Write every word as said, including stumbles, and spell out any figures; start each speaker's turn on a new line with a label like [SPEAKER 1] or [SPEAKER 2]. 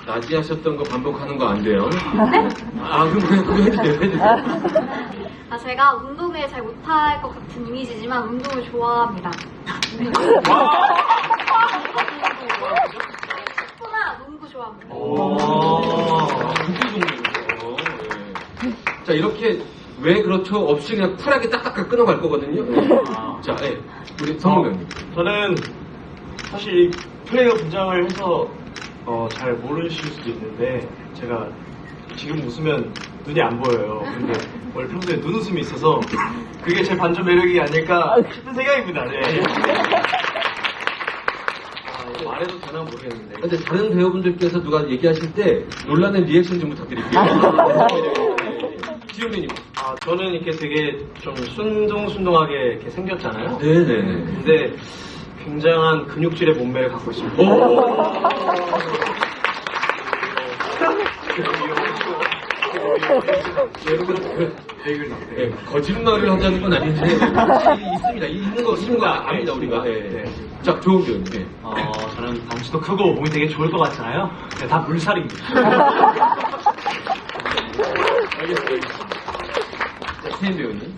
[SPEAKER 1] 낮에 하셨던 거 반복하는 거 안 돼요?
[SPEAKER 2] 네?
[SPEAKER 1] 아, 그럼 그냥 그거 해도 돼요, 해도 돼요.
[SPEAKER 2] 아, 제가 운동을 잘 못할 것 같은 이미지지만 운동을 좋아합니다. 축구나 농구 좋아합니다.
[SPEAKER 1] 오, 국기 종류죠. 자, 이렇게 왜 그렇죠? 없이 그냥 쿨하게 딱딱하게 끊어갈 거거든요. 네. 자, 예. 우리 성훈님.
[SPEAKER 3] 저는 사실 이 플레이어 분장을 해서 어, 잘 모르실 수도 있는데 제가 지금 웃으면 눈이 안 보여요. 근데 원래 평소에 눈웃음이 있어서 그게 제 반전 매력이 아닐까 싶은 생각입니다. 네.
[SPEAKER 1] 아, 말해도 되나 모르겠는데. 근데 다른 배우분들께서 누가 얘기하실 때 놀라는 리액션 좀 부탁드릴게요. 지용배님.
[SPEAKER 3] 아, 저는 이렇게 되게 좀 순둥순둥하게 이렇게 생겼잖아요.
[SPEAKER 1] 네네.
[SPEAKER 3] 근데 굉장한 근육질의 몸매를 갖고 있습니다.
[SPEAKER 1] 여러분, 그, 예, 거짓말을 하자는 건 아닌데, 확실히 있습니다. 있는 거, 있는 거 압니다, 우리가. 예.
[SPEAKER 3] 네.
[SPEAKER 1] 자, 좋은 배우님. 예.
[SPEAKER 3] 어, 저는 덩치도 크고 몸이 되게 좋을 것 같잖아요. 네, 다 물살입니다.
[SPEAKER 1] 알겠습니다. 알겠습니다. 자, 세인 배우님.